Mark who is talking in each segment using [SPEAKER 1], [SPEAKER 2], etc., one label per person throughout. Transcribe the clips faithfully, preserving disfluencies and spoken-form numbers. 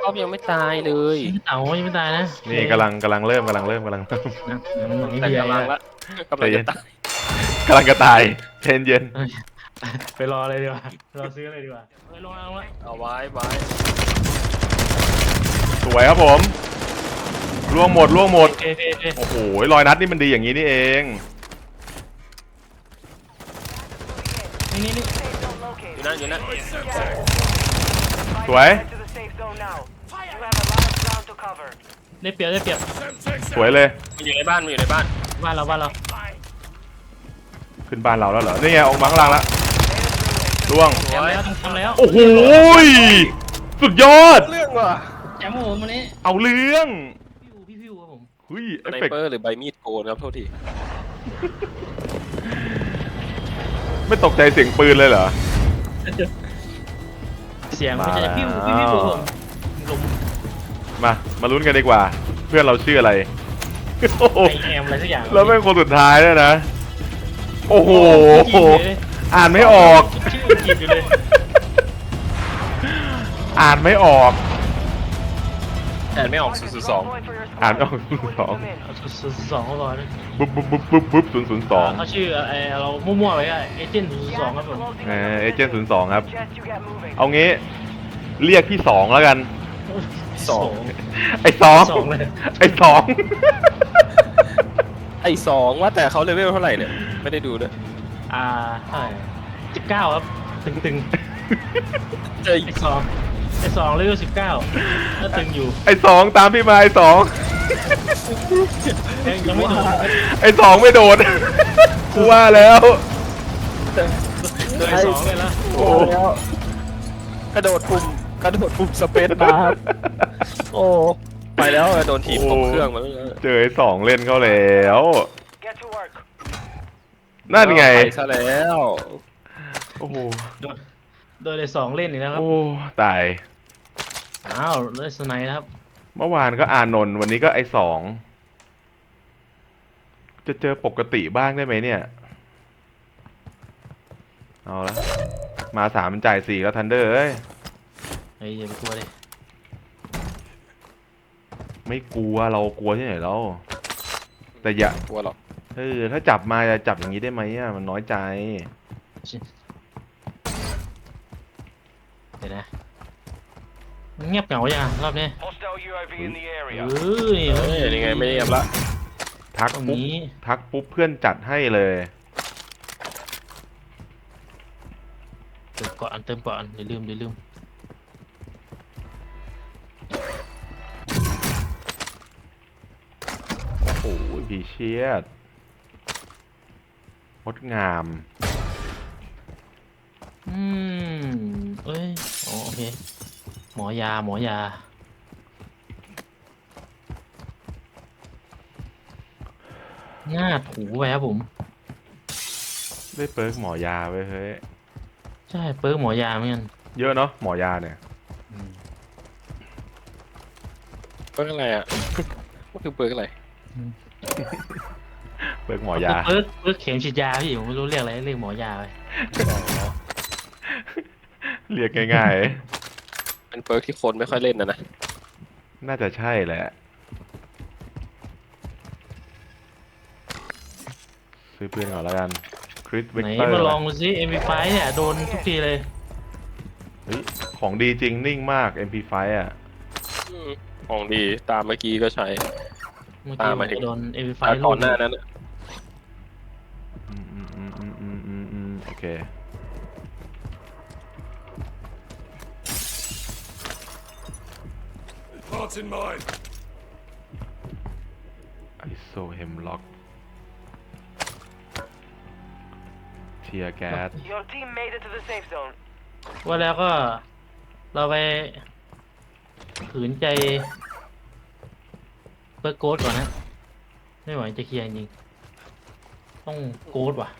[SPEAKER 1] อบยังไม่ตายเลย
[SPEAKER 2] เต่ายังไม่ตายนะ
[SPEAKER 3] นี่กำลังกำลังเริ่มกำลังเริ่มกำลังเริ่ม
[SPEAKER 2] นะเหมือน
[SPEAKER 1] แต่
[SPEAKER 2] พี่
[SPEAKER 1] กำลัง
[SPEAKER 2] ละ
[SPEAKER 1] ละกำลังจะตาย
[SPEAKER 3] กำลังกระตายเย็นเย็น
[SPEAKER 2] ไปรอเลยดีกว่ารอซื้อเลยดีกว่าไปลงแล้วลงแล้ว
[SPEAKER 1] เอาไว้ไว้
[SPEAKER 3] สวยครับผมล่วงหมดล่วงหมด
[SPEAKER 2] เอ๊ะเอ๊ะเอ๊ะ
[SPEAKER 3] โอ้โหรอยนัดนี่มันดีอย่างนี้นี่เอง
[SPEAKER 2] นี่นี่นี่
[SPEAKER 1] อยู่นั่นอยู่นั่น
[SPEAKER 3] สวย
[SPEAKER 2] ได้เปรียบได้เปรียบ
[SPEAKER 3] สวยเลย
[SPEAKER 1] มันอยู่ในบ้านมันอยู่ในบ้าน
[SPEAKER 2] บ้านเราบ้านเรา
[SPEAKER 3] ขึ้นบ้านเราแล้วเหรอนี่ไงออกมาข้างล่างแล้วล่วง
[SPEAKER 2] ทำแล้วทำแล้ว
[SPEAKER 3] โอ้โหสุดยอด
[SPEAKER 1] เรื่องว่ะ
[SPEAKER 2] แจมผมวันนี้
[SPEAKER 3] เอาเรื่อง
[SPEAKER 2] พี่อูพี่พี่อูครับผม
[SPEAKER 3] เฮ้ยเอ
[SPEAKER 1] ส
[SPEAKER 3] ฟ
[SPEAKER 1] ไน
[SPEAKER 3] เฟก
[SPEAKER 1] เปอร์หรือใบมีดโกนครับโทษที
[SPEAKER 3] ไม่ตกใจเสียงปืนเลยเหรอ
[SPEAKER 2] เสียงไม่ใช่
[SPEAKER 3] มาแล้ว
[SPEAKER 2] พี่อูพี่พี่อูผมลม
[SPEAKER 3] มามาลุ้นกันดีกว่า เพื่อนเราชื่ออะไรโอ้โห
[SPEAKER 2] ไอแอมอะไรสักอย่าง
[SPEAKER 3] แล้วเป็นคนสุดท้ายด้วยนะ โอ้โห
[SPEAKER 2] จริงเลย
[SPEAKER 3] อ่านไม่ออก
[SPEAKER 2] ชื่ออังกฤษอยู่เลย
[SPEAKER 3] อ่านไม่ออก
[SPEAKER 1] แต่ไม่ออกศูนย์ศูนย์สอง
[SPEAKER 3] อ่านไม่ออกศูนย์สอง
[SPEAKER 2] เอาสุดสองเขาก่อน
[SPEAKER 3] บุ๊บบุ๊บบุ๊บบุ๊บบุ๊บศูนย์ศูนย์สอง
[SPEAKER 2] เขาชื่อไอเรามั่วๆไว้อะเอเจนต์ศูนย์สองครับผม
[SPEAKER 3] เอเอเจนต์ศูนย์สองครับ เอางี้ เรียกพี่สองแล้วกัน
[SPEAKER 1] สอง
[SPEAKER 3] ไอ้สอง
[SPEAKER 2] สองเลย
[SPEAKER 3] ไอ้สอง
[SPEAKER 1] ไอ้สองว่าแต่เขาเลเวลเท่าไหร่เนี่ยไม่ได้ดูด้วย
[SPEAKER 2] อ่าเท่าไหร่สิบเก้าครับตึงตึง
[SPEAKER 1] เจอ
[SPEAKER 2] ไอสองไอสองเลเวลสิบเก้าก็ตึงอยู่
[SPEAKER 3] ไอ้สองตามพี่มาไอ้สอง
[SPEAKER 2] ยังยังไม่โดน
[SPEAKER 3] ไอ้สองไม่โดดกูว่าแล้ว
[SPEAKER 2] โดนไอสองเลยละ
[SPEAKER 3] โอ้
[SPEAKER 1] กระโดดปุ่มกระโดดปุ่มสเปซบาร์โอ้ไปแล้วโดนถีบตกเครื่องมาแล้ว
[SPEAKER 3] เจอไอ้สองเล่นเขาแล้ว นั่นไง
[SPEAKER 1] ไปซะแล้ว
[SPEAKER 3] โอ้โห
[SPEAKER 2] โดนโดนไอสองเล่นอีกแล้วครับ
[SPEAKER 3] โอ้ตาย
[SPEAKER 2] อ้าวได้สไนด์นะครับ
[SPEAKER 3] เมื่อวานก็อานนท์วันนี้ก็ไอ้สองจะเจอปกติบ้างได้ไหมเนี่ย เอาละมาสามมันจ่ายสี่แล้วทันเดอร์เอ้ย
[SPEAKER 2] เฮ้ยอย่าไปกลัวเลย
[SPEAKER 3] ไม่กลัวเรากลัวที่ไหนแล้วแต่อย่า
[SPEAKER 1] กลัวหรอก
[SPEAKER 3] เออถ้าจับมาจะจับอย่างนี้ได้ไหมอ่ะมันน้อยใจ
[SPEAKER 2] เดี๋ยวนะมันเงียบเหงาอย่างรอบนี้
[SPEAKER 4] Hostile U A V in the
[SPEAKER 2] เฮ้
[SPEAKER 4] area.
[SPEAKER 2] ย
[SPEAKER 1] เฮ้ยยังไงไม่เงียบละ
[SPEAKER 3] ทัก
[SPEAKER 2] ตรง
[SPEAKER 3] ปุ๊บ
[SPEAKER 2] นี้
[SPEAKER 3] ทักปุ๊บเพื่อนจัดให้เลย
[SPEAKER 2] เติมก่อนเติมก่อนอย่าลืมอย่าลืม
[SPEAKER 3] โอ้โหพีเชียดงดงาม
[SPEAKER 2] อืมเอ้ยอ๋อโอเคหมอยาหมอยาหน้าถูไปครับผม
[SPEAKER 3] ได้เปิร์กหมอยาไว้เฮ้ย
[SPEAKER 2] ใช่เปิร์กหมอยาเหมือนกัน
[SPEAKER 3] เยอะเนาะหมอยาเนี่ย
[SPEAKER 2] อืม
[SPEAKER 1] เปิร์กอะไรอ่ะ มันคือเปิร์กอะไร
[SPEAKER 3] เปิร์กหมอยา
[SPEAKER 2] เปิร์กเปิร์กเข็มฉีดยาพี่ผมไม่รู้เรียกอะไรเรียกหมอยาไป
[SPEAKER 3] เรียกง่าย
[SPEAKER 1] เป็นเปิร์กที่คนไม่ค่อยเล่นนะนะ
[SPEAKER 3] ๆ น่าจะใช่แหละ ซื้อปืนก่อนแล้วกันคริสเวก
[SPEAKER 2] ไหน
[SPEAKER 3] เตอร์
[SPEAKER 2] มาลองดูซิ เอ็ม พี ไฟว์ เนี่ยโดนทุกทีเลย
[SPEAKER 3] เฮ้ยของดีจริงนิ่งมาก เอ็ม พี ไฟว์ อ่ะ
[SPEAKER 1] อืมของดีตามเมื่อกี้ก็ใช้
[SPEAKER 2] เมื่อ
[SPEAKER 1] ตา
[SPEAKER 2] กี้
[SPEAKER 1] ม
[SPEAKER 2] มั
[SPEAKER 1] มาน ถึง
[SPEAKER 2] โดน เอ็ม พี ไฟ
[SPEAKER 1] ตา
[SPEAKER 2] ว์
[SPEAKER 1] ก่อนหน้านั้นอะ
[SPEAKER 3] อืมอืมอืมอืมอืมอืมอืมโอเค
[SPEAKER 4] Parts in mind.
[SPEAKER 3] ไอโซเฮมล็อกเทียแก๊ส
[SPEAKER 4] Your team made it to the safe zone.
[SPEAKER 2] ว่าแล้วก็เราไปขืนใจเปิร์กโกดก่อนนะ ไม่ไหวจะเคลียร์จริงๆต้องโกดว่ะ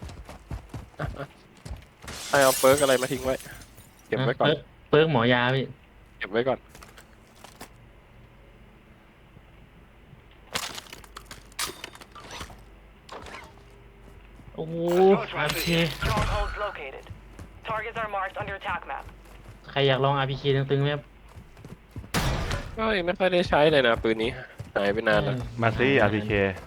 [SPEAKER 1] ให้เอาเปิร์กอะไรมาทิ้งไว้ เก็บไว้ก่อน
[SPEAKER 2] เปิร์กเปิร์กหมอยาพี่
[SPEAKER 1] เก็บไว้ก่อน
[SPEAKER 2] โอ้โห
[SPEAKER 4] Approach
[SPEAKER 2] อาร์
[SPEAKER 4] rapid.
[SPEAKER 2] พี
[SPEAKER 4] Strongholds located. Targets are marked on your attack map.
[SPEAKER 2] ใครอยากลอง อาร์ พี เค ตึงๆไหมครับ
[SPEAKER 1] ก็ยังไม่ค่อยได้ใช้เลยนะปืนนี้หายไปนานแล้ว
[SPEAKER 3] มาซี่ อาร์ พี เค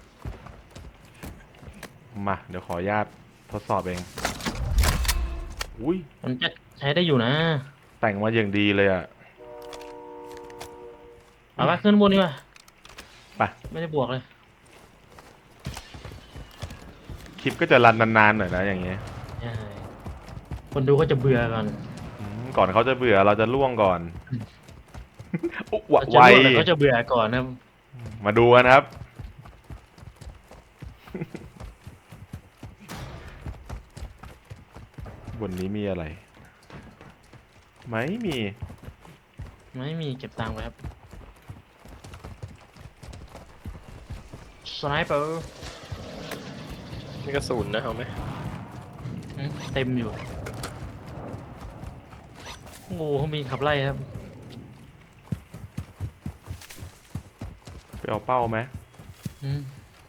[SPEAKER 3] มาเดี๋ยวขออนุญาตทดสอบเอง อุ้ย
[SPEAKER 2] มันจะใช้ได้อยู่นะ
[SPEAKER 3] แต่งมาอย่างดีเลยอ่ะ
[SPEAKER 2] เอาไปขึ้นบนดีกว่า
[SPEAKER 3] ไป
[SPEAKER 2] ไม่ได้บวกเลย
[SPEAKER 3] คลิปก็จะรันนานๆหน่อยนะอย่างเงี้ย
[SPEAKER 2] ใช่คนดูก็จะเบื่อก่อน
[SPEAKER 3] อืมก่อนเขาจะเบื่อเราจะล่วงก่อนอุ๊วะ
[SPEAKER 2] เราจะ
[SPEAKER 3] ไว
[SPEAKER 2] รู้แต่เขาจะเบื่อก่อนนะครับ
[SPEAKER 3] มาดูกันครับ บนนี้มีอะไร ไม่มี
[SPEAKER 2] ไม่มีเก็บตังค์ไว้ครับสไนเปอร์
[SPEAKER 1] มีกระสุนนะเอาไหม
[SPEAKER 2] เต็มอยู่งูเขามีขับไล่ครับ
[SPEAKER 3] ไปเอาเป้าไหม
[SPEAKER 2] อืม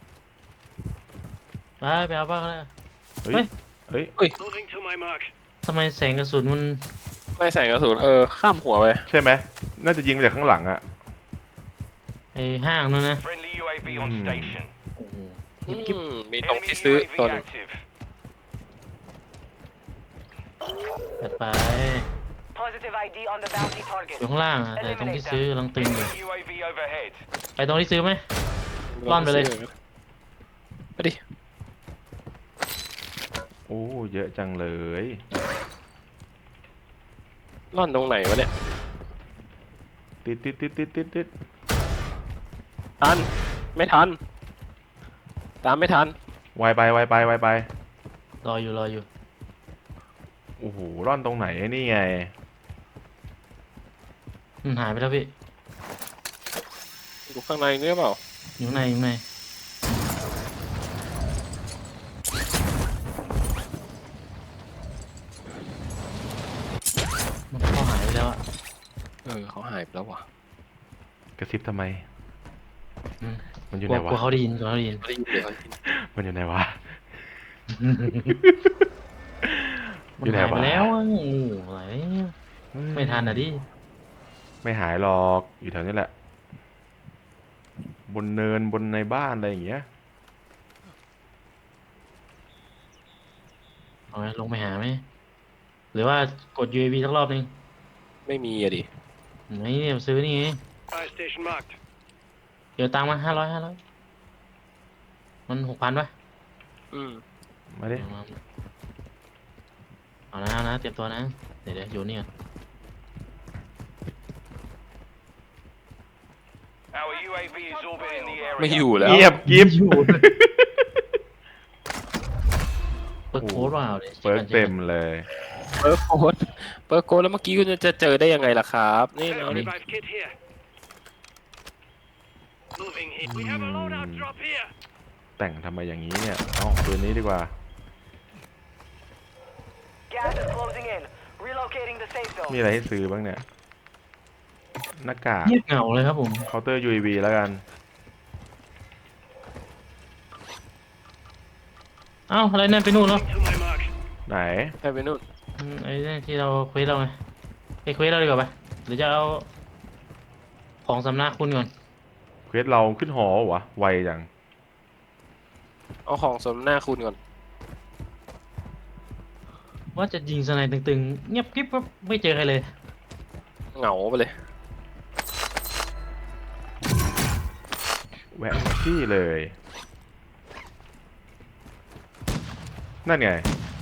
[SPEAKER 2] ไปไปเอาบ้างแล้ว
[SPEAKER 3] เฮ้ย เฮ้ย
[SPEAKER 4] Moving to my mark.
[SPEAKER 2] ทำไมแสงกระสุนมัน
[SPEAKER 1] ไม่ใส่กระสุนเออข้ามหัวไป
[SPEAKER 3] ใช่ไหม น่าจะยิงมาจากข้างหลังอะ
[SPEAKER 2] ไอห้างนู่นนะ
[SPEAKER 4] Friendly U A V on
[SPEAKER 3] Hmm.
[SPEAKER 4] station.
[SPEAKER 2] โอ้โห
[SPEAKER 1] อื
[SPEAKER 2] กิ๊บ
[SPEAKER 1] มมีตรง
[SPEAKER 4] Enemy
[SPEAKER 1] ที่ซื้อ
[SPEAKER 4] U A V
[SPEAKER 1] ตน
[SPEAKER 4] active.
[SPEAKER 2] ๆจัดไป
[SPEAKER 4] Positive I D on the bounty
[SPEAKER 2] อ
[SPEAKER 4] target.
[SPEAKER 2] ยู่ข้างล่างอะแต่ตรงที่ซื้อกำลังตึงอยู่
[SPEAKER 4] Enemy U A V overhead.
[SPEAKER 2] ไปตรงที่ซื้อไหม ร่อนไปเลย
[SPEAKER 1] ไปดิ
[SPEAKER 3] โอ้ เยอะจังเลย
[SPEAKER 1] ร่อนตรงไหนวะเนี่ย
[SPEAKER 3] ติดติดติดติดติดติด
[SPEAKER 1] ทันไม่ทัน ตามไม่ทัน
[SPEAKER 3] ไวไปไวไปไวไป
[SPEAKER 2] รออยู่รออยู่
[SPEAKER 3] โอ้โห ร่อนตรงไหนนี่ไง
[SPEAKER 2] มันหายไปแล้วพี่
[SPEAKER 1] อยู่ข้างในนี่หรือเปล่า
[SPEAKER 2] อยู่ข้างในอยู่ข้างในมันเข้าหายไปแล้วอะ
[SPEAKER 1] เออเขาหายไปแล้วว่ะ
[SPEAKER 3] กระซิบทำไม
[SPEAKER 2] อืม
[SPEAKER 3] มันอยู่
[SPEAKER 2] กลั
[SPEAKER 3] ไห
[SPEAKER 2] วน ก
[SPEAKER 3] วะ
[SPEAKER 2] ลัวเขาได้ยินกลัวเขาได้ยิน
[SPEAKER 1] ไม่ได้ยินเลย
[SPEAKER 3] มันอยู่ไหนวะ
[SPEAKER 2] มัน
[SPEAKER 3] อยู่ไหน
[SPEAKER 2] หายไป
[SPEAKER 3] วะ
[SPEAKER 2] แล้วอะโอ้โหอะไรไม่ทันอ่ะดิ
[SPEAKER 3] ไม่หายหรอก อยู่แถวนี้แหละ บนเนินบนในบ้านอะไรอย่างเงี้ย
[SPEAKER 2] เอาไงลงไปหาไหมหรือว่ากด ยู เอ วี สักรอบนึง
[SPEAKER 1] ไม่มีอะดิ
[SPEAKER 2] ไม่เนี่ยซื้อนี่ไง
[SPEAKER 4] Fire station marked.
[SPEAKER 2] เดี๋ยวตังค์มาห้าร้อยห้าร้อยมันหกพันป่ะ
[SPEAKER 1] อืม
[SPEAKER 3] มาดิ
[SPEAKER 2] เอามาเอานะเอานะเตรียมตัวนะ เดี๋ยวเดี๋ยวอยู่นี่ก่อน
[SPEAKER 4] Our U A V is orbiting the area.
[SPEAKER 1] ไม่อยู่แล้ว
[SPEAKER 3] เงียบกิฟ
[SPEAKER 2] อยู่เปิดโค้ดเปล่าดี๋ยว
[SPEAKER 3] เปิดเต็มเลย
[SPEAKER 1] เปิร์โค้ดเปิร์โค้ดแล้วเมื่อกี้คุณจะเจอได้ยังไงล่ะครับ นี่เอาดิ
[SPEAKER 4] Revive kit here. Moving here. We have a loadout drop here.
[SPEAKER 3] แต่งทำไมอย่างนี้เนี่ย เอ้าปืนนี้ดีกว่า
[SPEAKER 4] Gas is closing in. Relocating the safe
[SPEAKER 3] มี
[SPEAKER 4] zone.
[SPEAKER 3] อะไรให้ซื้อบ้างเนี่ย หน้ากาก
[SPEAKER 2] เงียบเหงาเลยครับผม
[SPEAKER 3] เคาน์เตอร์ ยู เอ วี แล้วกัน
[SPEAKER 2] เอ้าอะไรนั่นไปนู่นแล้ว
[SPEAKER 4] To my mark.
[SPEAKER 3] ไหน
[SPEAKER 1] ใช่ไปนู่น
[SPEAKER 2] อืมไอ้นี่ที่เราเควสเราไงไปเควสเราดีกว่าปะหรือจะเอาของสำนักคุณก่อน
[SPEAKER 3] เควสเราขึ้นหอวะ ไวจัง
[SPEAKER 1] เอาของสมหน้าคุณก่อน
[SPEAKER 2] ว่าจะยิงสไนด์ตึงๆ เงียบกริบปั๊บไม่เจอใครเลย
[SPEAKER 1] เหงาไปเลย
[SPEAKER 3] แวะที่เลย นั่นไง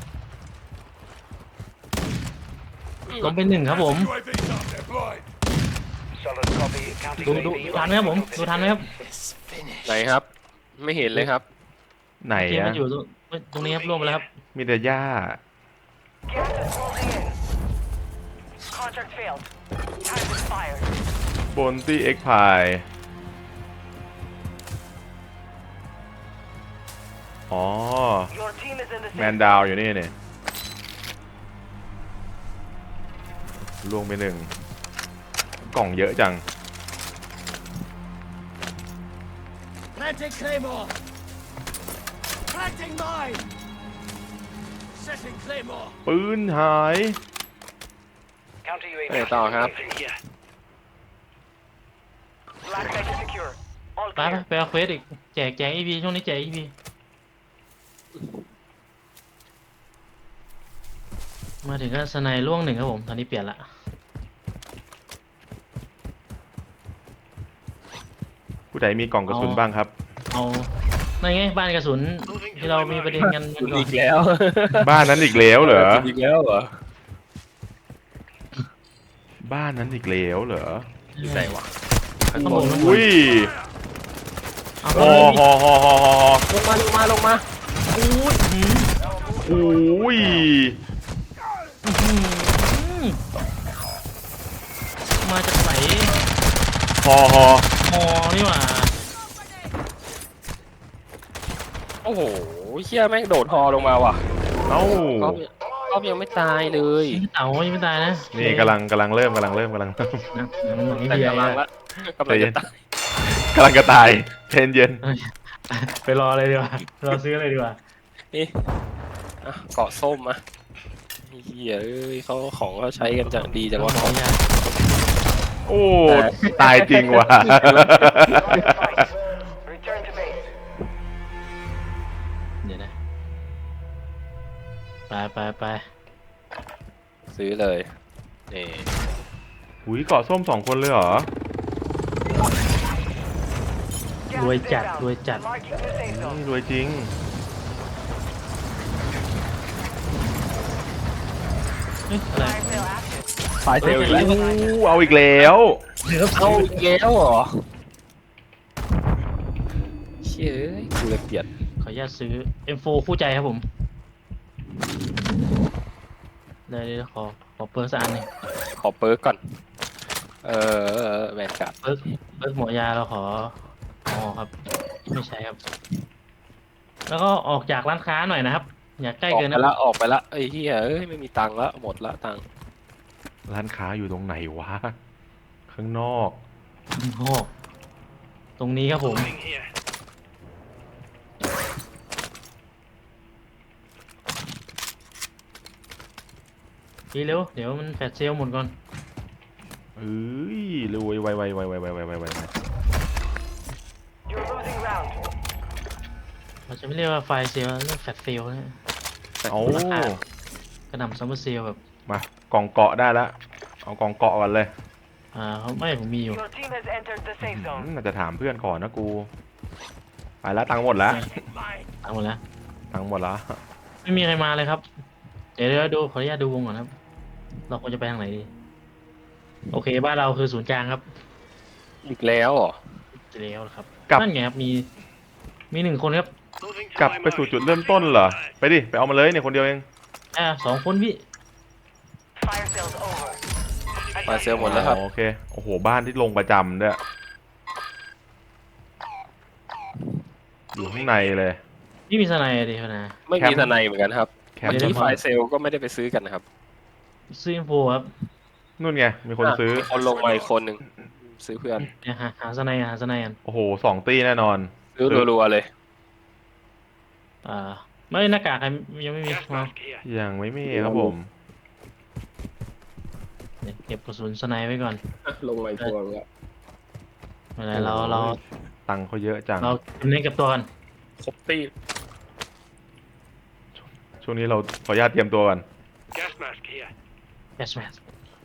[SPEAKER 2] ลงเป็นหนึ่งครับผม
[SPEAKER 4] U A V's up there, blind. Solid copy. Counting
[SPEAKER 2] ดูดูดูทันไหมครับผมดูทันไหมครับ
[SPEAKER 1] ไหนครับ ไม่เห็นเลยครับ
[SPEAKER 3] ไหน
[SPEAKER 2] ที่
[SPEAKER 3] อะ
[SPEAKER 2] มันอยู่ตรงตรงนี้ครับร่วมไปแล้วครับ
[SPEAKER 3] มีแต่หญ้า
[SPEAKER 4] Gas is closing in. Contract failed. Time expired.
[SPEAKER 3] บนที่เอ็กพาย อ๋อ
[SPEAKER 4] Your team is in the
[SPEAKER 3] แม
[SPEAKER 4] safe
[SPEAKER 3] นดาวอยู่นี่เนี่ยลวงไปหนึ่ง กล่องเยอะจัง
[SPEAKER 5] Planting Claymore! Planting mine! Setting Claymore!
[SPEAKER 3] ปืนหาย
[SPEAKER 4] Counter U A V.
[SPEAKER 1] ไปต่อครับ
[SPEAKER 4] Here.
[SPEAKER 2] ไปไปไปเอาเควสอีกแจกแจกอีพีช่วงนี้แจกอีพีมาถึงก็สไนล่วงหนึ่งครับผมตอนนี้เปลี่ยนละ
[SPEAKER 3] ผู้ใดมีกล่องกระสุน
[SPEAKER 2] เอา
[SPEAKER 3] บ้างครับ
[SPEAKER 2] เอานั่นไงบ้านกระสุนที่เรามีประเด็นกัน
[SPEAKER 1] คุณ
[SPEAKER 2] ก่อน
[SPEAKER 1] อีกแล้ว
[SPEAKER 3] บ้านนั้นอีกแล้วเหรอ
[SPEAKER 1] คุณอีกแล้วเหรอ
[SPEAKER 3] บ้านนั้นอีกแล้วเหรอ
[SPEAKER 1] อยู่ไหนวะ
[SPEAKER 2] ข้างบน
[SPEAKER 3] อุ้ย
[SPEAKER 2] เอา
[SPEAKER 3] ฮอฮอฮอฮอฮอ
[SPEAKER 1] ลงมาลงมาลงมา
[SPEAKER 2] อุ้ยหืม
[SPEAKER 3] อุ้ย
[SPEAKER 2] หืมมาจากไหน
[SPEAKER 3] ฮอฮอ
[SPEAKER 2] ฮอนี่หว่า
[SPEAKER 1] โอ้โหเชี่ยแม่งโดดฮอลงมาว่ะ
[SPEAKER 3] เอ้า
[SPEAKER 1] ก็ก็ยังไม่ตายเลย
[SPEAKER 2] เต่ายังไม่ตายนะ
[SPEAKER 3] นี่กำลังกำลังเริ่มกำลังเริ่มกำลังเริ่ม
[SPEAKER 2] นะมันเหมือน
[SPEAKER 1] แต่
[SPEAKER 2] เบีย
[SPEAKER 1] กำลัง
[SPEAKER 2] ร์
[SPEAKER 1] ละกำลังจะตาย
[SPEAKER 3] กำลังกระตายเย็นเย็น
[SPEAKER 2] ไปรอเลยดีกว่ารอซื้อเลยดีกว่า
[SPEAKER 1] นี่อ่ะเกาะส้มอ่ะเฮียเอ้ยเขาของเขาใช้กันจังดีจังวะ
[SPEAKER 2] ขออนุญาต
[SPEAKER 3] โอ้ตายจริงว่ะ
[SPEAKER 4] Return to base.
[SPEAKER 2] เดี๋ยวนะไปไปไป
[SPEAKER 1] ซื้อเลยนี่
[SPEAKER 3] หุยเกาะส้มสองคนเลยเหรอ
[SPEAKER 2] รวยจัดรวยจัด
[SPEAKER 4] Marking the safe
[SPEAKER 3] อื
[SPEAKER 4] zone.
[SPEAKER 3] มรวยจริง
[SPEAKER 2] เฮ้ยอะไร
[SPEAKER 1] ไฟเซลอีกแล้ว
[SPEAKER 3] อู้เอาอีกแล้ว
[SPEAKER 1] เอาอีกแล้วเหรอเชี่ยเอ้ยกูเลยเกลียด
[SPEAKER 2] ขออนุญาตซื้อ เอ็ม โฟร์ คู่ใจครับผมได้เลยขอขอเปิร์สักอันหนึง
[SPEAKER 1] ขอเปิร์กก่อนเออแวนการ์ด
[SPEAKER 2] เปิร์กเปิร์กหมอยาเราขออ๋อครับ ไม่ใช่ครับ แล้วก็ออกจากร้านค้าหน่อยนะครับ อย่าใกล้
[SPEAKER 1] ออก
[SPEAKER 2] เกิน
[SPEAKER 1] ไป
[SPEAKER 2] นะ
[SPEAKER 1] ละออกไปละไอ้เฮียเอ้ยไม่มีตังค์ละหมดละตังค์
[SPEAKER 3] ร้านค้าอยู่ตรงไหนวะ ข้างนอก
[SPEAKER 2] โอ้โหตรงนี้ครับผม
[SPEAKER 4] Moving here.
[SPEAKER 2] ดีเร็ว เดี๋ยวมันแฟลชเซลลหมดก่อน
[SPEAKER 3] เอ้ยรวยไวไวไวไวไวไวไวไว
[SPEAKER 4] You're losing ground.
[SPEAKER 2] เราจะไม่เรียกว่าไฟเซลล์เรียกแฟลชเซลล์นะ
[SPEAKER 3] เอา
[SPEAKER 2] กระหน่ำซัมเมอร์เซลล์แบบ
[SPEAKER 3] มากล่องเกาะได้แล้ว เอากล่องเกาะก่อนเลย
[SPEAKER 2] อ่าเขาไม่ผมมีอยู่
[SPEAKER 4] Your team has entered the
[SPEAKER 3] อื
[SPEAKER 4] safe
[SPEAKER 3] ม
[SPEAKER 4] zone.
[SPEAKER 3] น่าจะถามเพื่อนก่อนนะกู ไปแล้วตังค์หมดแล้ว
[SPEAKER 4] Mine.
[SPEAKER 2] ตามหมดแล้ว
[SPEAKER 3] ตังค์หมดแล้ว
[SPEAKER 2] ไม่มีใครมาเลยครับ เดี๋ยวเดี๋ยวดูขออนุญาตดูวงก่อนครับ เราควรจะไปทางไหนดี โอเค บ้านเราคือศูนย์กลางครับ
[SPEAKER 1] อีกแล้วเหรอ
[SPEAKER 2] จะแล้วครับ
[SPEAKER 3] กลับ
[SPEAKER 2] นั่นไงครับ มี มีหนึ่งคนครับ
[SPEAKER 4] Moving to
[SPEAKER 3] กลับ
[SPEAKER 4] my
[SPEAKER 3] ไปสู่
[SPEAKER 4] mark.
[SPEAKER 3] จุดเริ่มต้นเหรอ ไปดิ ไปเอามาเลยเนี่ยคนเดียวเอง
[SPEAKER 2] อ่าสองคนพี่
[SPEAKER 4] Fire sales over.
[SPEAKER 1] ไฟเซลหมดแล้วครับ
[SPEAKER 3] อ๋อโอเค โอ้โห บ้านที่ลงประจำด้วย อยู่ข้างในเลย
[SPEAKER 2] พี่มีสไนด์ดิพนะ
[SPEAKER 1] ไม่
[SPEAKER 3] แค
[SPEAKER 1] มี
[SPEAKER 3] มป์
[SPEAKER 1] ทนายเหมือนกันครับ
[SPEAKER 3] แคม
[SPEAKER 1] เมื่อ
[SPEAKER 3] ป์
[SPEAKER 1] กี้ไฟเซลก็ไม่ได้ไปซื้อกันนะครับ
[SPEAKER 2] ซื้ออินโฟครับ
[SPEAKER 3] นู่นไง มีคนซื้อ
[SPEAKER 1] มีคนลงมาอีกคนหนึ่งซื้อเพื่อน
[SPEAKER 2] เนี่ยหาหาสไนด์หาสไนด์กัน
[SPEAKER 3] โอ้โห สองตีแน่นอน
[SPEAKER 1] ซื้อรัวๆเลย
[SPEAKER 2] อ่า ไม่หน้ากากใครยังไม่มี
[SPEAKER 4] Gas
[SPEAKER 2] มา
[SPEAKER 4] mask here.
[SPEAKER 3] ยังไม่มีครับผม
[SPEAKER 2] เดี๋ยวเก็บกระสุนสไนด์ไว้ก่อน
[SPEAKER 1] ลงมาอีกตัวแล้ว
[SPEAKER 2] เวลาเราเรา
[SPEAKER 3] ตังค์เขาเยอะจัง
[SPEAKER 2] เราเน้นเก็บตัวกัน
[SPEAKER 1] ครบตี้
[SPEAKER 3] ช่วงนี้เราขออนุญาตเตรียมตัวกัน
[SPEAKER 4] Gas mask here.
[SPEAKER 2] แอชแมน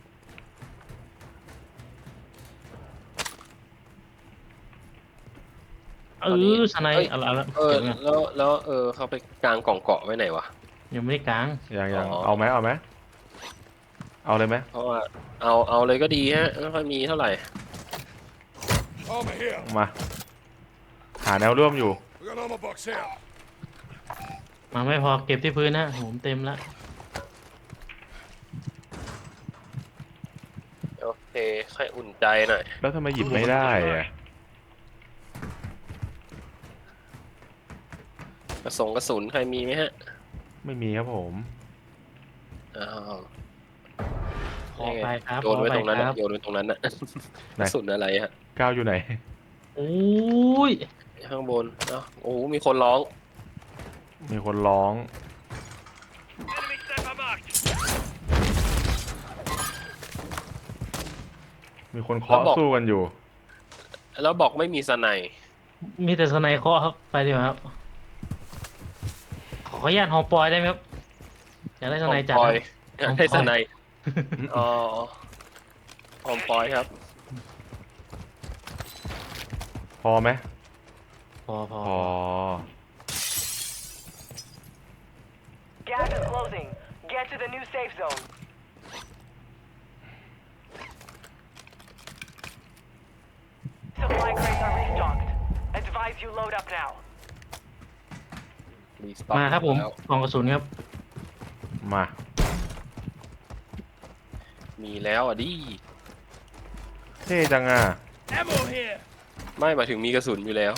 [SPEAKER 2] เออสไนด์เอาละเอาละ
[SPEAKER 1] เออ
[SPEAKER 2] เก็บไว้ก่อน
[SPEAKER 1] แล้วแล้วเออเขาไปกลางกล่องเกาะไว้ไหนวะ
[SPEAKER 2] ยังไม่ได้กลาง
[SPEAKER 3] ยังยัง
[SPEAKER 1] อ๋อ
[SPEAKER 3] เอาไหมเอาไหมเอาเลยไหม
[SPEAKER 1] เพราะว่าเอาเอาเลยก็ดีฮะไม่ค่อยมีเท่าไหร่
[SPEAKER 5] Armor here.
[SPEAKER 3] มา หาแนวร่วมอยู่
[SPEAKER 5] We got armor box here.
[SPEAKER 2] มาไม่พอเก็บที่พื้นนะผมเต็มละ
[SPEAKER 1] โอเคค่อยอุ่นใจหน่อย
[SPEAKER 3] แล้วทำไมหยิบไม่ได้อะ
[SPEAKER 1] กระสงกระสุนใครมีไหมฮะ
[SPEAKER 3] ไม่มีครับผม
[SPEAKER 1] อ้าว
[SPEAKER 2] ขอไปครับ
[SPEAKER 1] โยนไว้
[SPEAKER 2] ขอ
[SPEAKER 1] ตรงนั้น
[SPEAKER 2] ค
[SPEAKER 1] น่ะ
[SPEAKER 2] รับ
[SPEAKER 1] โยนไว้ตรงนั้นน่ะ
[SPEAKER 3] ไหน
[SPEAKER 1] กระสุนอะไรฮะ
[SPEAKER 3] ก้าวอยู่ไหน
[SPEAKER 2] โอ้ย
[SPEAKER 1] ข้างบนเอ้าโอ้โหมีคนร้อง
[SPEAKER 3] มีคนร้อง
[SPEAKER 4] Enemy sniper marked.
[SPEAKER 3] มีคนเคาะสู้กันอยู่
[SPEAKER 1] แล้วบอกไม่มีสไนด์
[SPEAKER 2] มีแต่สไนเคราะห์ครับไปดีกว่าครับขออนุญาตฮอปอยได้ไหมครับอยากได้สไนจัด
[SPEAKER 1] ป
[SPEAKER 2] ค
[SPEAKER 1] อ
[SPEAKER 2] รั
[SPEAKER 1] ย
[SPEAKER 2] บ
[SPEAKER 1] อยากได้สไนอ๋อออมปอยครับ
[SPEAKER 3] พอไหม
[SPEAKER 2] พอพอ
[SPEAKER 3] พอ
[SPEAKER 6] Gas is closing. Get to the new safe zone. Supply crates are restocked. Advise you load up now.
[SPEAKER 1] รีสต็อก
[SPEAKER 2] มาครับผม
[SPEAKER 1] แล้ว
[SPEAKER 2] กล่องกระสุนครับ
[SPEAKER 3] มา
[SPEAKER 1] มีแล้วอ่ะดิ
[SPEAKER 3] เท่จังอ่ะ
[SPEAKER 5] Ammo here.
[SPEAKER 1] ไม่หมายถึงมีกระสุนอยู่แล้ว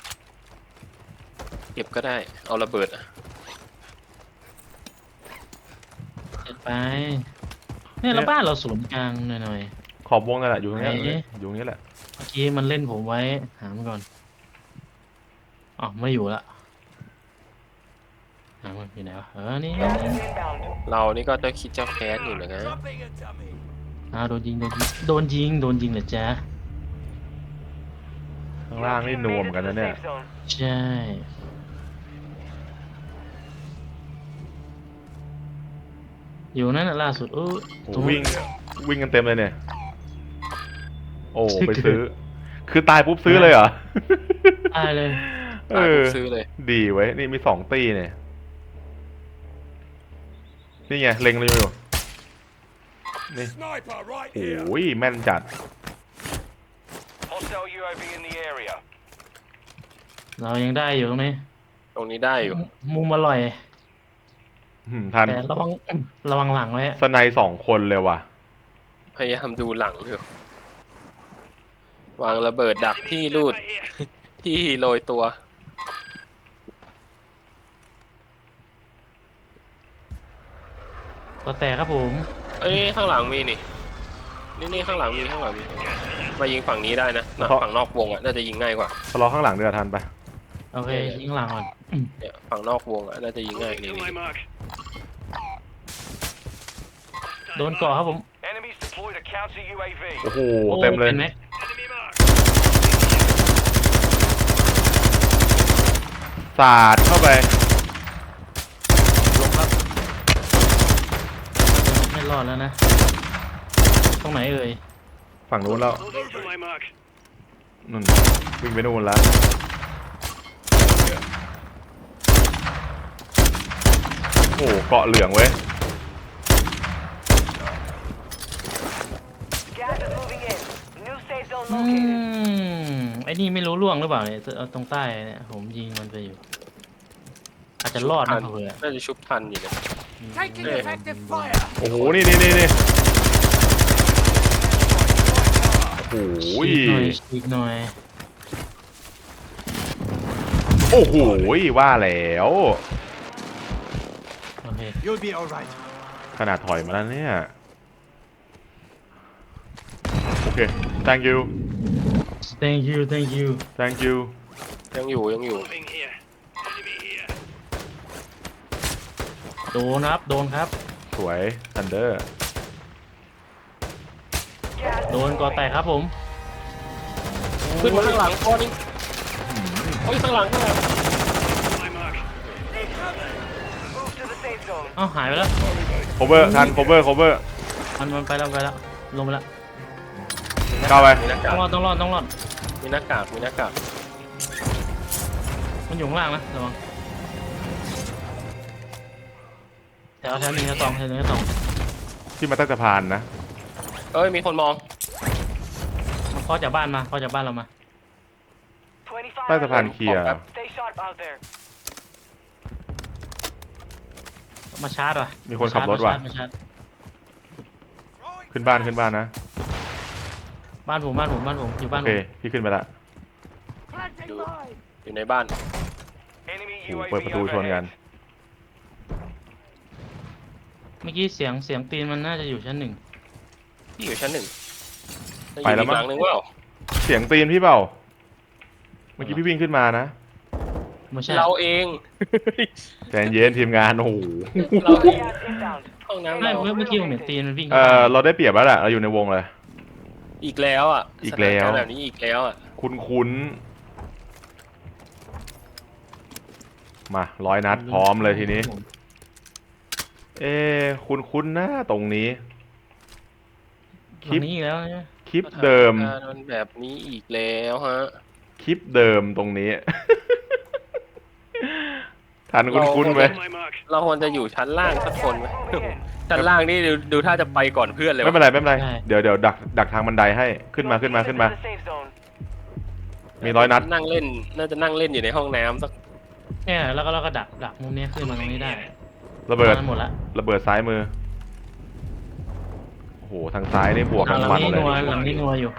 [SPEAKER 1] เก็บก็ได้ เอาระเบิดอะ
[SPEAKER 2] เสร็จไปเนี่ยแล้วบ้านเราศูนย์กลางหน่อย
[SPEAKER 3] ขอบวงนั่นแหละอยู่ตรงเนี้ย
[SPEAKER 2] ไหน
[SPEAKER 3] อยู่ตรงนี้แหละ
[SPEAKER 2] ๆเมื่อกี้มันเล่นผมไว้หามันก่อนอ๋อไม่อยู่ละหามันอยู่ไหนวะเออนี่
[SPEAKER 6] Gas is inbound.
[SPEAKER 1] เรานี่ก็จะคิดจะแค้นอยู่นะ
[SPEAKER 5] Dropping a dummy.
[SPEAKER 2] อ้าวโดนยิงโดนยิงโดนยิงโดนยิงเหรอจ๊ะ
[SPEAKER 3] ข้างล่างนี่นวม
[SPEAKER 6] Made it
[SPEAKER 3] กัน
[SPEAKER 6] to
[SPEAKER 3] นะ
[SPEAKER 6] the
[SPEAKER 3] เนี่ย
[SPEAKER 6] safe zone.
[SPEAKER 2] ใช่อยู่นั่นน่ะล่าสุดเออ
[SPEAKER 3] โอ้
[SPEAKER 2] ตรง
[SPEAKER 3] วิ่งวิ่งกันเต็มเลยเนี่ย โอ้ไปซื้อ คือตายปุ๊บซื้อเลยเหรอ
[SPEAKER 2] ตายเลย
[SPEAKER 3] เอ
[SPEAKER 1] ตาย
[SPEAKER 3] อ
[SPEAKER 1] ผมซื้อเลย
[SPEAKER 3] ดีไว้ยนี่มีสองตีเนี่ย นี่ไงเล็งเลยอยู่ นี่
[SPEAKER 5] Sniper right
[SPEAKER 3] โอ้
[SPEAKER 5] here.
[SPEAKER 3] ยแม่นจัด
[SPEAKER 4] Hostile U A V in the area.
[SPEAKER 2] เรายังได้อยู่ตรงนี้
[SPEAKER 1] ตรงนี้ได้อยู่
[SPEAKER 2] มุมอร่อย
[SPEAKER 3] หืมทัน
[SPEAKER 2] แต่ระวังระวังหลังไว้
[SPEAKER 3] สไนสองคนเลยว่ะ
[SPEAKER 1] พยายามดูหลังอยู่วางระเบิดดักที่รูด ที่โรยตัว
[SPEAKER 2] ก็แตกครับผม
[SPEAKER 1] เอ้ยข้างหลังมีนี่ นี่นี่ข้างหลังมีข้างหลังมีมายิงฝั่งนี้ได้นะนะ
[SPEAKER 3] เพราะ
[SPEAKER 1] ฝั่งนอกวงอ่ะน่าจะยิงง่ายกว่า
[SPEAKER 3] ทะเลาะข้างหลังเดือทันไป
[SPEAKER 2] โอเคยิงหลังก่อน
[SPEAKER 1] เนี่ยฝั่งนอกวงอ่ะน่าจะยิงง่ายนี่นี่
[SPEAKER 2] โดนเกาะครับผม
[SPEAKER 4] Enemies deployed a counter U A V.
[SPEAKER 3] โอ้โหเต็มเลย
[SPEAKER 2] ป็นไหม
[SPEAKER 3] สาดเข้าไป
[SPEAKER 1] ลงครับ
[SPEAKER 2] ไม่รอดแล้วนะ ตรงไหนเอ่ย
[SPEAKER 3] ฝั่งนู้นแล้วนู่นวิ่งไปนู่นแล้ว โอ้โหเกาะเหลืองเว้ย
[SPEAKER 6] Gas is moving in. New safe zone
[SPEAKER 2] อื
[SPEAKER 6] located.
[SPEAKER 2] มไอ้นี่ไม่รู้ล่วงหรือเปล่าเนี่ยเอาตรงใต้เนี่ยผมยิงมันไปอยู่ อาจจะรอดนะเผื่อ
[SPEAKER 1] น่าจะชุบทันอยู่นะ
[SPEAKER 5] Taking
[SPEAKER 1] Yeah.
[SPEAKER 5] effective fire.
[SPEAKER 3] โอ้โห นี่นี่นี่นี่โอ้โห
[SPEAKER 2] ฉีกหน่อยฉีกหน่อย
[SPEAKER 3] โอ้โห ว่าแล้ว
[SPEAKER 2] โอเค
[SPEAKER 5] You'll be all right.
[SPEAKER 3] ขนาดถอยมาแล้วเนี่ย โอเค thank you
[SPEAKER 2] thank you thank you
[SPEAKER 3] thank you
[SPEAKER 1] ยังอยู่ยังอยู่
[SPEAKER 2] โดนครับ โดนครับ
[SPEAKER 3] สวย thunder
[SPEAKER 6] Gas is
[SPEAKER 2] โดน
[SPEAKER 6] moving.
[SPEAKER 2] เกอแตกครับผม
[SPEAKER 1] ขึ้นมาข้างหลังก้อนนี้โอ้ยข้างหลังข้างหลัง
[SPEAKER 6] Move to the safe zone.
[SPEAKER 2] เอ้าหายไปแล้ว
[SPEAKER 3] cover ทัน cover cover
[SPEAKER 2] มันมันไปแล้วไปแล้วลงไปแล้ว
[SPEAKER 3] เข้าไป
[SPEAKER 1] มีหน้า
[SPEAKER 2] ต้
[SPEAKER 1] กา
[SPEAKER 2] อก งรอดต้องรอดต้องรอด
[SPEAKER 1] มีหน้ากากมีหน้ากาก
[SPEAKER 2] มันอยู่ข้างล่างนะระวังแถวแถวหนึ่งแถวสองแถวหนึ่งแถวสอง
[SPEAKER 3] ที่มาใต้สะพานนะ
[SPEAKER 1] เอ้ยมีคนมอง
[SPEAKER 2] มันเคาะจากบ้านมาเคาะจากบ้านเรามา
[SPEAKER 6] twenty-five.
[SPEAKER 3] ใต้สะพานเคลียร์
[SPEAKER 6] Stay sharp out there.
[SPEAKER 2] มาชาร์จว่ะ
[SPEAKER 3] มีคนขับรถว่ะ
[SPEAKER 2] มาชาร์จ
[SPEAKER 3] ขึ้นบ้านขึ้นบ้านนะ
[SPEAKER 2] บ้านผมบ้านผมบ้านผมอยู่บ้าน
[SPEAKER 3] โอ
[SPEAKER 2] ผ
[SPEAKER 3] เค
[SPEAKER 2] ม
[SPEAKER 3] พี่ขึ้นไปละ
[SPEAKER 1] อยู่อยู่ในบ้าน
[SPEAKER 4] Enemy
[SPEAKER 3] โอ้โห
[SPEAKER 4] U A V
[SPEAKER 3] เปิดประตูชนกัน
[SPEAKER 4] overhead.
[SPEAKER 2] เมื่อกี้เสียงเสียงตีนมันน่าจะอยู่ชั้นหนึ่ง
[SPEAKER 1] ที่อยู่ชั้นหนึ่ง
[SPEAKER 3] ไปแล้วมั้ง
[SPEAKER 1] อีกหลังหนึ่งว่า
[SPEAKER 3] เสียงตีนพี่เปล่า เมื่อกี้พี่วิ่งขึ้นมานะ
[SPEAKER 2] ไม่ใช่
[SPEAKER 1] เราเอง
[SPEAKER 3] ใจเย็นทีมงาน โอ้โห
[SPEAKER 1] เราเอง
[SPEAKER 6] Gas inbound.
[SPEAKER 1] ห้องน้ำ
[SPEAKER 2] ไม่
[SPEAKER 1] เรา
[SPEAKER 2] เมื่อเมื่อกี้ผมเห็นตีนมันวิ่ง
[SPEAKER 3] เอ
[SPEAKER 2] เข้า
[SPEAKER 3] อ
[SPEAKER 2] บ้าน
[SPEAKER 3] เราได้เปรียบแล้วแหละเราอยู่ในวงเลย
[SPEAKER 1] อีกแล้วอ่ะ
[SPEAKER 3] อีกแล้ว
[SPEAKER 1] สถานารณ์แบบนี้อีกแล้วอ่ะ
[SPEAKER 3] คุ้นคุ้นมาร้อยนัดพร้อมเลยทีนี้ เอ๊ะคุณคุ้นๆนะตรงนี้
[SPEAKER 2] หลังนี้อีกแล้วเนี่ย
[SPEAKER 3] คลิปเดิม
[SPEAKER 1] สถานการณ์มันแบบนี้อีกแล้วฮะ
[SPEAKER 3] คลิปเดิมตรงนี้ ทันคุณคุ้นๆไหม
[SPEAKER 4] My mark.
[SPEAKER 1] เราควรจะอยู่ชั้นล่างสักคนไหมชั้นล่างนี่ดูดูถ้าจะไปก่อนเพื่อนเลย
[SPEAKER 3] ไม่
[SPEAKER 1] วะ
[SPEAKER 3] เป็นไรไม่เป็นไรเดี๋ยวเดี๋ยวดักดักทางบันไดให้ขึ้นมาขึ้นมาขึ้นมา
[SPEAKER 6] To the safe zone.
[SPEAKER 3] มีร้อยนัด
[SPEAKER 1] นั่งเล่น น่าจะนั่งเล่นอยู่ในห้องน้ำสัก
[SPEAKER 2] เนี่ยแล้วก็เราก็ดักดักมุมเนี้ยขึ้นมาตรงนี้ได้
[SPEAKER 3] ระเบิด
[SPEAKER 2] มาหมดละ
[SPEAKER 3] ระเบิดซ้ายมือโอ้โหทางซ้ายนี่บวก
[SPEAKER 2] หลั
[SPEAKER 3] ทั้
[SPEAKER 2] ง
[SPEAKER 3] งวัน
[SPEAKER 2] นี้
[SPEAKER 3] เล
[SPEAKER 2] นัวย หลังนี้นัวอยู่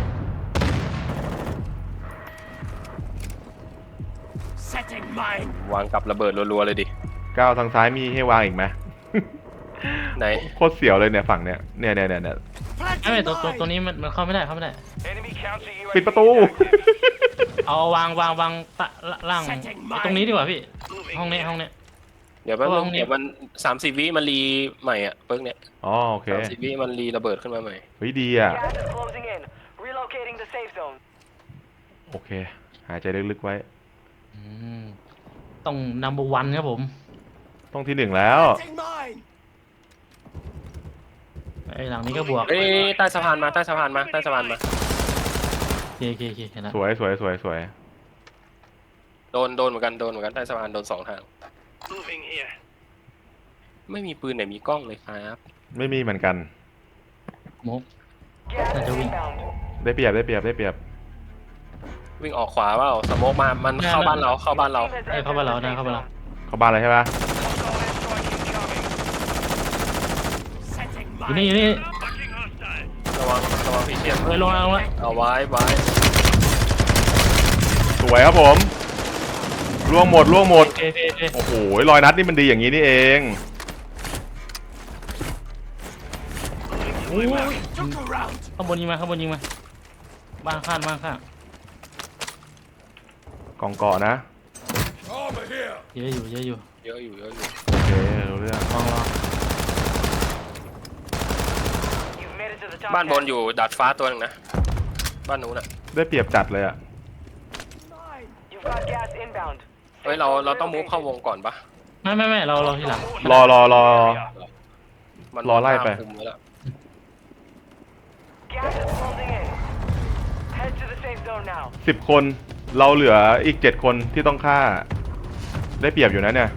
[SPEAKER 5] Setting mine.
[SPEAKER 1] วางกับระเบิดรัวๆเลยดิ
[SPEAKER 3] ก้าวทางซ้ายมีให้วางอีกไหม
[SPEAKER 1] ไหน
[SPEAKER 3] โคตรเสียวเลยเนี่ยฝั่งเนี้ยเนี่ยเนี่ยเนี่ยเนี่ย
[SPEAKER 2] ไม่ไม่
[SPEAKER 5] Planting
[SPEAKER 2] ตัวตัวตัว
[SPEAKER 5] mine.
[SPEAKER 2] นี้มันมันเข้าไม่ได้เข้าไม่ได้
[SPEAKER 4] Enemy counter U A V
[SPEAKER 3] ปิดประตู
[SPEAKER 4] active.
[SPEAKER 2] เอาวางวางวางตะล่างตรงนี้ดีกว่าพี่ ห้องนี้ห้องนี้
[SPEAKER 1] เดี๋ยวแป๊บ
[SPEAKER 2] เพ
[SPEAKER 1] นึ
[SPEAKER 2] ราะว่าง ห้องนี้
[SPEAKER 1] เดี๋ยวมันสามสิบวิมันรีใหม่อ่ะเปิ้งเนี่ย
[SPEAKER 3] อ๋อโอเค
[SPEAKER 1] สามสิบวิมันรีระเบิดขึ้นมาใหม่
[SPEAKER 3] เฮ้ยดีอ่ะ
[SPEAKER 6] Gas is closing in. Relocating the safe zone.
[SPEAKER 3] โอเค หายใจลึกๆไว้
[SPEAKER 2] อืมต้อง number one ครับผม
[SPEAKER 3] ต้องที่หนึ่งแล้ว
[SPEAKER 5] Planting mine.
[SPEAKER 2] ไอ้หลังนี้ก็บวก
[SPEAKER 1] เอ้ยใต้สะพานมาใต้สะพานมาใต้สะพานมา
[SPEAKER 2] โอเคโอเคโอเคเห็นแล้ว
[SPEAKER 3] สวยสวยสวยสวย
[SPEAKER 1] โดนโดนเหมือนกันโดนเหมือนกันใต้สะพานโดนสองทาง
[SPEAKER 4] Moving here.
[SPEAKER 1] ไม่มีปืนไหนมีกล้องเลยครับ
[SPEAKER 3] ไม่มีเหมือนกัน
[SPEAKER 2] มก
[SPEAKER 6] Gas
[SPEAKER 2] That's
[SPEAKER 6] is
[SPEAKER 2] a win.
[SPEAKER 6] inbound.
[SPEAKER 3] ได้เปรียบได้เปรียบได้เปรียบ
[SPEAKER 1] วิ่งออกขวาเปล่าสโมกมามันเข้าบ้านเราเข้าบ้านเรา
[SPEAKER 6] Team has
[SPEAKER 2] เอ้ย
[SPEAKER 6] entered
[SPEAKER 2] เข้าบ้านเรา
[SPEAKER 6] the
[SPEAKER 2] ได้
[SPEAKER 6] safe
[SPEAKER 2] เข้าบ้านเรา
[SPEAKER 6] zone.
[SPEAKER 3] เข้าบ้านเลยใช่ปะ
[SPEAKER 4] Solid strike incoming.
[SPEAKER 5] Setting
[SPEAKER 2] อยู่นี่
[SPEAKER 5] mine.
[SPEAKER 2] อยู่นี่
[SPEAKER 4] Fucking hostile.
[SPEAKER 1] ระวังระวังพี่เชียน
[SPEAKER 2] เฮ้ยลงแล้วลงแล้ว
[SPEAKER 1] เอาไว้ไว้
[SPEAKER 3] สวยครับผม ล่วงหมดล่วงหมด
[SPEAKER 2] โอเคโอเคโอเค
[SPEAKER 3] โอ้โหรอยนัดนี่มันดีอย่างนี้นี่เอง
[SPEAKER 2] โอ้ย
[SPEAKER 5] Took a round.
[SPEAKER 2] ข้างบนยิงมาข้างบนยิงมาบ้านข้างบ้านข้าง
[SPEAKER 3] กองเกาะนะ
[SPEAKER 5] Over here.
[SPEAKER 2] เยอะอยู่เยอะอยู่
[SPEAKER 1] เยอะอยู่เยอะอยู่
[SPEAKER 3] โอเครู้เรื่อง
[SPEAKER 2] ลองลอง
[SPEAKER 6] You've made it to the top
[SPEAKER 1] บ้านบน
[SPEAKER 6] ten.
[SPEAKER 1] อยู่ดาดฟ้าตัวหนึงนะบ้านนู้นอ่ะ
[SPEAKER 3] ได้เปรียบจัดเลยอะ
[SPEAKER 5] Mine.
[SPEAKER 6] You've got gas inbound.
[SPEAKER 1] เฮ้ยเราเราต้องมุฟเข้าวงก่อนปะ
[SPEAKER 2] ไม่ไม่ไม่เราเราทีหลัง
[SPEAKER 3] รอรอรอ
[SPEAKER 1] มัน
[SPEAKER 3] รอไล่ไป
[SPEAKER 1] คุมว้แล้ว
[SPEAKER 6] Gas is closing in. Head to the safe zone now.
[SPEAKER 3] สิบคน เราเหลืออีกเจ็ดคนที่ต้องฆ่า ได้เปรียบอยู่นะเนี่ย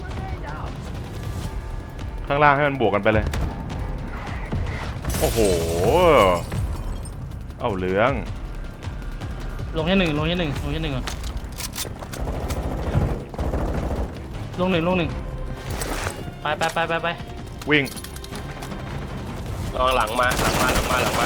[SPEAKER 3] ข้างล่างให้มันบวกกันไปเลย โอ้โห เอาเหลือง
[SPEAKER 2] ลงแค่หนึ่งลงแค่หนึ่งลงแค่หนึ่งก่อนลงหนึ่งลงหนึ่งไปไปไปไปไป
[SPEAKER 3] วิ่ง
[SPEAKER 1] ระวังหลังมาหลังมาหลังมาหลังมา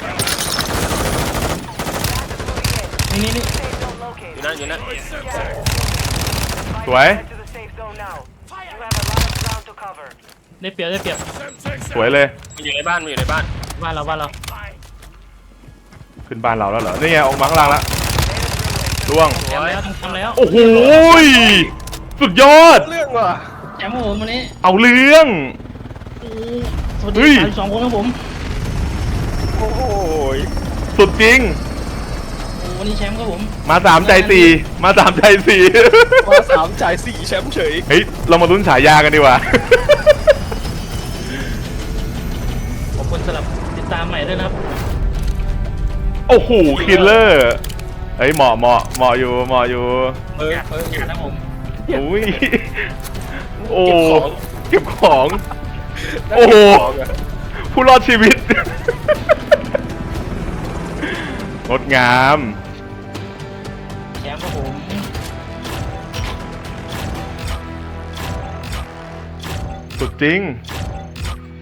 [SPEAKER 2] นี่นี่นี่
[SPEAKER 6] Safe zone
[SPEAKER 1] อยู่
[SPEAKER 6] located.
[SPEAKER 1] นั่นอยู่นั่น
[SPEAKER 6] Fight
[SPEAKER 3] สวย
[SPEAKER 6] Head to the safe zone now. You have a lot of ground to cover.
[SPEAKER 2] ได้เปรียบได้เปรียบ
[SPEAKER 3] สวยเลย
[SPEAKER 1] มันอยู่ในบ้านมันอยู่ในบ้าน
[SPEAKER 2] บ้านเราบ้านเรา
[SPEAKER 5] Mine.
[SPEAKER 3] ขึ้นบ้านเราแล้วเหรอ นี่ไงออกมาข้างล่างแล้วล่วง
[SPEAKER 2] ทำแล้วทำแล้ว
[SPEAKER 3] โอ้โหยสุดยอด
[SPEAKER 1] เรื่องว่ะ
[SPEAKER 2] แชมป์ครับผมวันนี้
[SPEAKER 3] เอาเรื่อง
[SPEAKER 2] สวัส
[SPEAKER 3] เฮ้
[SPEAKER 2] ดี
[SPEAKER 3] ย
[SPEAKER 2] สามสองคนครับผม
[SPEAKER 1] โอ้โห
[SPEAKER 3] สุดจริง
[SPEAKER 2] โอ้วันนี้แชมป์ครับผม
[SPEAKER 3] มาสามใจสี่มาสามใจสี่
[SPEAKER 1] มาสามจ่ายสี่แชมป์เฉย
[SPEAKER 3] เฮ้ย เรามาลุ้นฉายากันดีกว่า
[SPEAKER 2] ขอบคุณสำหรับติดตามใหม่ด้วยนะครับ
[SPEAKER 3] โอ้โหคิลเลอร์เฮ้ยเหมาะเหมาะเหมาะอยู่เหมาะอยู่
[SPEAKER 1] เออเออ
[SPEAKER 2] ครับผม
[SPEAKER 3] อุ้ยโอ้
[SPEAKER 1] เก็บของ
[SPEAKER 3] เก็บของ โอ้โห ผู้รอดชีวิต งดงาม
[SPEAKER 2] แชมป์ครับผม
[SPEAKER 3] สุดจริง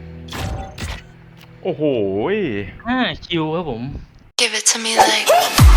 [SPEAKER 3] โอ้โห
[SPEAKER 2] ห้าคิวครับผม
[SPEAKER 7] Give it to me like